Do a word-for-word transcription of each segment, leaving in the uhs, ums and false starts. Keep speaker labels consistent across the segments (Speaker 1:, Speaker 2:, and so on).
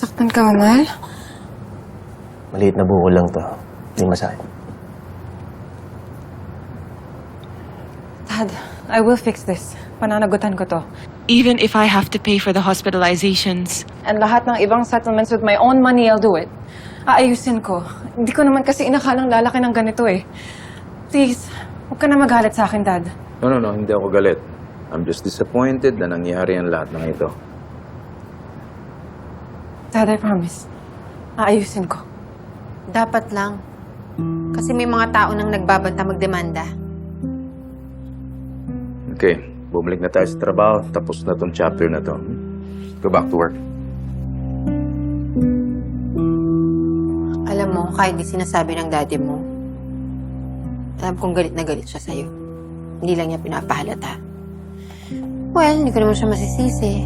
Speaker 1: Nasaktan ka, mahal?
Speaker 2: Maliit na buko lang to. Hindi masakit.
Speaker 1: Dad, I will fix this. Pananagutan ko to.
Speaker 3: Even if I have to pay for the hospitalizations.
Speaker 1: And lahat ng ibang settlements with my own money, I'll do it. Aayusin ko. Hindi ko naman kasi inakalang lalaki ng ganito eh. Please, huwag ka na magalit sa akin, Dad.
Speaker 4: No, no, no. Hindi ako galit. I'm just disappointed na nangyari ang lahat ng ito.
Speaker 1: Dad, I promise. Aayusin ko.
Speaker 5: Dapat lang. Kasi may mga tao nang nagbabanta magdemanda.
Speaker 4: Okay, bumalik na tayo sa trabaho. Tapos na tong chapter na to. Go back to work.
Speaker 5: Alam mo, kahit di sinasabi ng daddy mo, alam kong galit na galit siya sa'yo. Hindi lang niya pinapahalata. Well, hindi ko naman siya masisisi.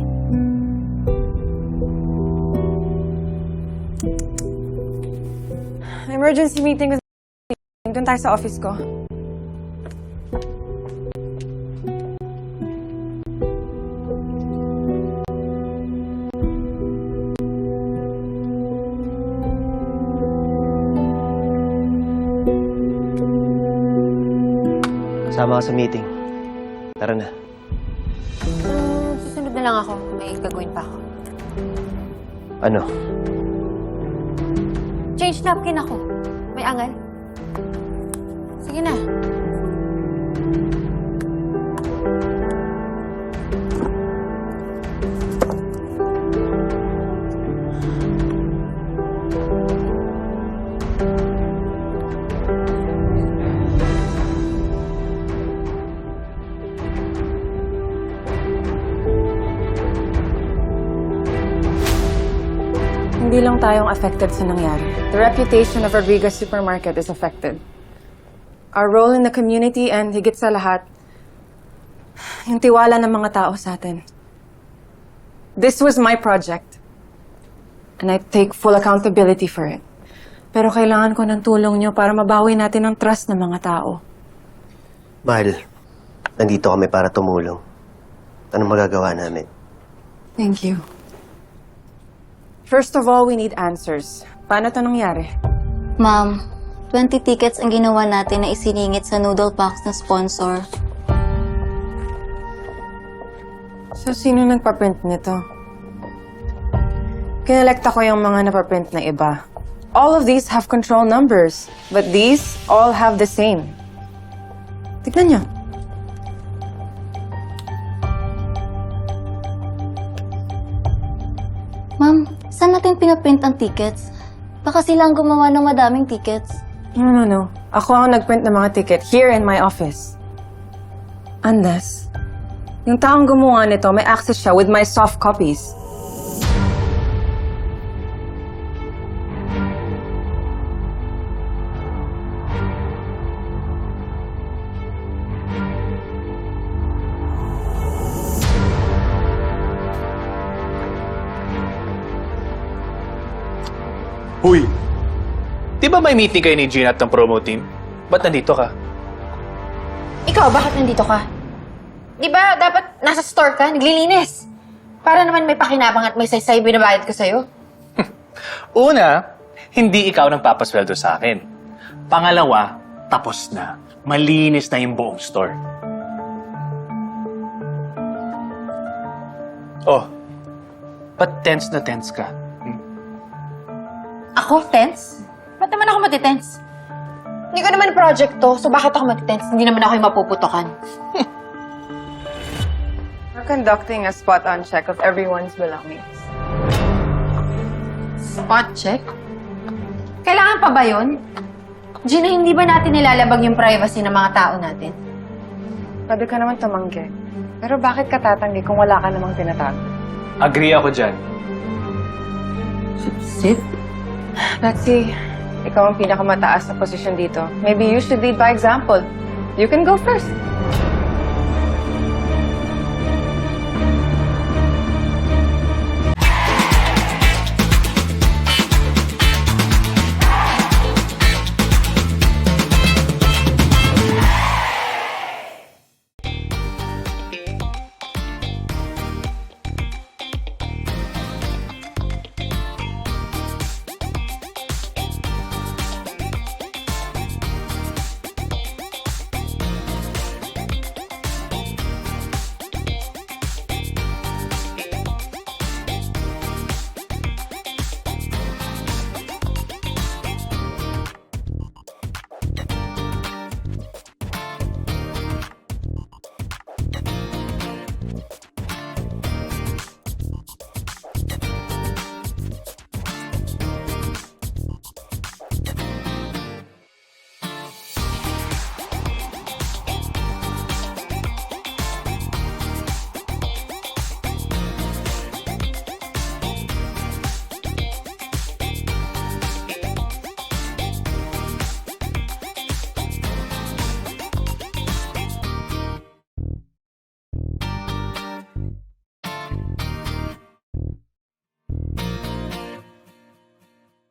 Speaker 1: Emergency meeting with doon tayo sa office ko.
Speaker 2: Kasama ka sa meeting. Tara na.
Speaker 5: Hmm, susunod na lang ako. May gagawin pa ako.
Speaker 2: Ano?
Speaker 5: Change napkin ako. May angal. Sige na.
Speaker 1: Hindi lang tayong affected sa nangyari. The reputation of Rodriguez Supermarket is affected. Our role in the community and higit sa lahat, yung tiwala ng mga tao sa atin. This was my project. And I take full accountability for it. Pero kailangan ko ng tulong nyo para mabawi natin ang trust ng mga tao.
Speaker 2: Mahal, nandito kami para tumulong. Anong magagawa namin?
Speaker 1: Thank you. First of all, we need answers. Paano ito nangyari?
Speaker 6: Ma'am, twenty tickets ang ginawa natin na isiningit sa noodle box ng sponsor.
Speaker 1: So, sino nagpa-print nito? Kinelekta ko yung mga napaprint na iba. All of these have control numbers, but these all have the same. Tignan niyo.
Speaker 6: Ma'am, saan natin pinaprint ang tickets? Baka sila ang gumawa ng madaming tickets.
Speaker 1: No, no, no. Ako ang nagprint ng mga ticket here in my office. Unless, yung taong gumawa nito, may access siya with my soft copies.
Speaker 7: Huy! Di ba may meeting kayo ni Gina at ng promo team? Ba't nandito ka?
Speaker 5: Ikaw, bakit nandito ka? Di ba dapat nasa store ka, naglilinis? Para naman may pakinabang at may saysay binabayad ko sa'yo.
Speaker 7: Una, hindi ikaw nang papasweldo sa akin. Pangalawa, tapos na. Malinis na yung buong store. Oh, ba't tense na tense ka? Hmm?
Speaker 5: Ako, tense? Ba't naman ako matitense? Hindi ko naman project to, so bakit ako matitense? Hindi naman ako yung mapuputokan.
Speaker 1: We're conducting a spot-on check of everyone's belongings.
Speaker 5: Spot check? Kailangan pa ba yun? Gina, hindi ba natin nilalabag yung privacy ng mga tao natin?
Speaker 1: Pwede ka naman tumanggi. Pero bakit ka tatanggi kung wala ka namang tinatago?
Speaker 7: Agree ako dyan.
Speaker 5: Sit?
Speaker 1: Betsy, ikaw ang pinakamataas na posisyon dito. Maybe you should lead by example. You can go first.